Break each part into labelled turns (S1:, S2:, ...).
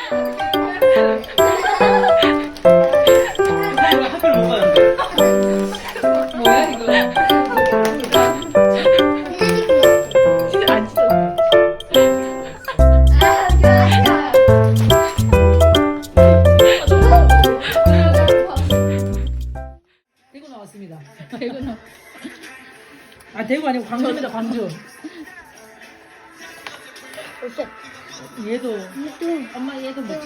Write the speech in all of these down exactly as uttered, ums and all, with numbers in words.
S1: 학교를 못 가는데.
S2: 뭐야 이거? 진짜 안 찢어. 대구 나왔습니다. 대구 나. 아 대구 아니고 광주입니다. 광주. 얘도 엄마 얘도 뭐.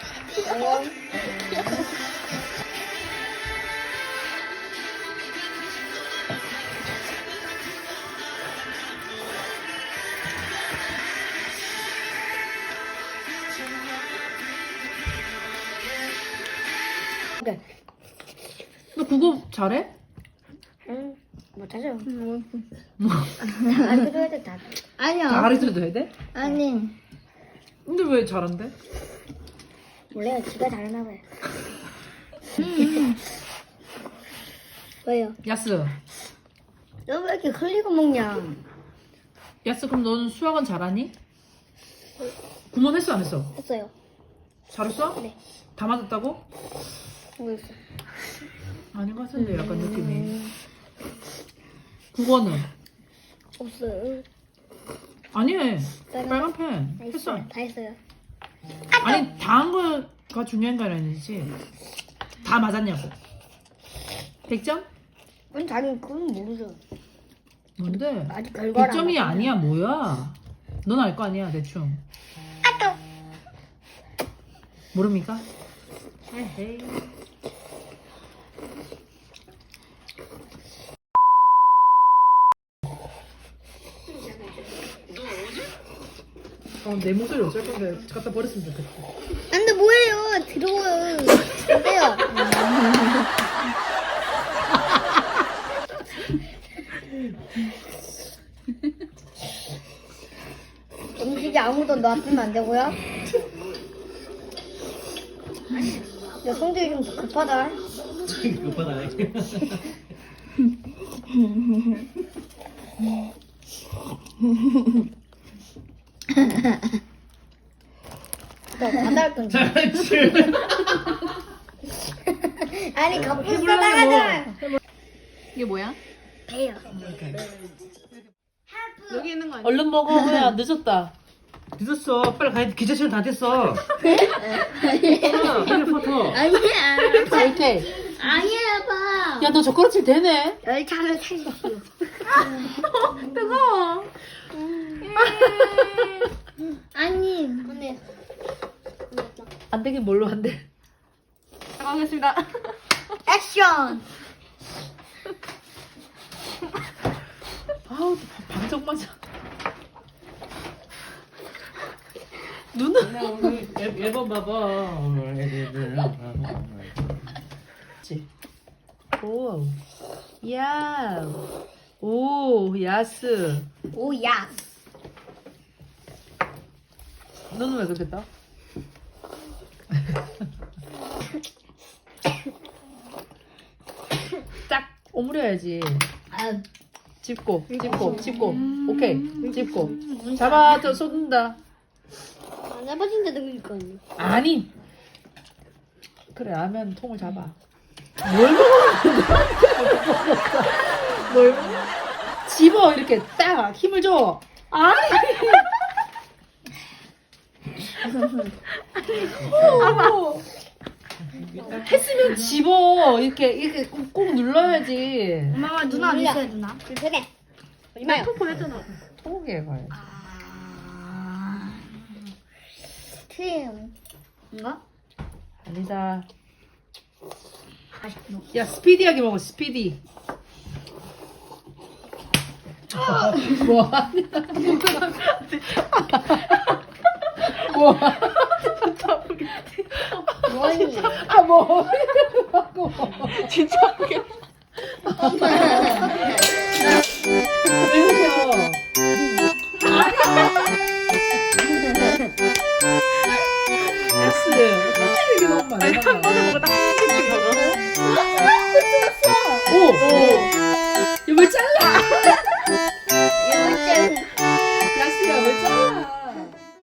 S3: 그래.
S2: 너 그거 잘해?
S3: 응, 못하죠. 안 그래도 다.
S2: 다
S3: 아니요.
S2: 가르쳐줘야 돼?
S3: 아니,
S2: 근데 왜 잘한대?
S3: 원래 지가 잘하나 봐요. 왜요?
S2: 야스.
S3: 너 왜 이렇게 흘리고 먹냐?
S2: 야스 그럼 너는 수학은 잘하니? 구몬 했어 안 했어?
S3: 했어요.
S2: 잘했어?
S3: 네.
S2: 다 맞았다고?
S3: 모르겠어.
S2: 아닌 것 같은데 약간 느낌이. 국어는?
S3: 없어요.
S2: 아니
S3: 빨간-
S2: 빨간 펜
S3: 다
S2: 했어.
S3: 했어요. 다 했어요.
S2: 아니 다 한 거가 중요한 거 아니지? 다 맞았냐고. 백 점?
S3: 아니, 자기 그건 모르죠.
S2: 뭔데?
S3: 아직 결과를
S2: 백 점이
S3: 안 봤어요.
S2: 아니야 뭐야? 넌 알 거 아니야 대충. 모릅니까? 에헤이. 어, 내 목소리 어쩔 건데 갖다 버렸으면 좋겠다.
S3: 안 돼, 뭐예요? 들어워요. 안 돼요. 음식이 아무도 놔두면 안 되고요. 야, 성질이 좀 급하다.
S1: 급하다.
S3: 너 바다할 건지.
S1: 잘했지.
S3: 아니, 갑자기 싸다가잖아.
S2: 이게 뭐야?
S3: 배요.
S2: 여기 있는 거 아니야? 얼른 먹어. 뭐야 늦었다.
S1: 늦었어. 빨리 가야 돼. 기차시간 다 됐어. 빨리 포토.
S3: 아니야.
S2: 이렇게.
S3: 아니야, 봐.
S2: 야 너 젓가락질 되네.
S3: 열차를 타십시오.
S2: 뜨거워.
S3: 아니, 근데.
S2: 안 되긴 뭘로 안 돼. 가겠습니다.
S3: 액션!
S2: 아우 반짝 맞아. 눈은
S1: 오늘 앨범 봐봐.
S2: 그치. 오. 야. 오 야스.
S3: 오야.
S2: 너는 왜 그렇게 떠? 딱 오므려야지.
S3: 아,
S2: 짚고 짚고 짚고 오케이 짚고 잡아 더 쏟는다.
S3: 안 해봐진데 그러니까.
S2: 아니 그래 라면 통을 잡아. 뭘 먹어? 뭘 먹어? 집어 이렇게 딱 힘을 줘. 아니 아뭐 했으면 집어 이렇게 이렇게 꼭, 꼭 눌러야지.
S3: 엄마가 누나 어디 있어요, 누나? 그래. 얼마요?
S2: 통보했잖아. 통에 가야지.
S3: 아. 트림. 뭔가?
S2: 아니다.
S3: 아쉽노.
S2: 야 스피디하게 먹어 스피디. 뭐 하냐? 뭐?
S3: 뭐니?
S2: 아 뭐? 하고 진짜 모르겠어. 왜 그래요? S 이게 너무 많아. 아니 한 번에 먹어 딱한 개씩 먹어. 오, 오. 이거 왜 잘라?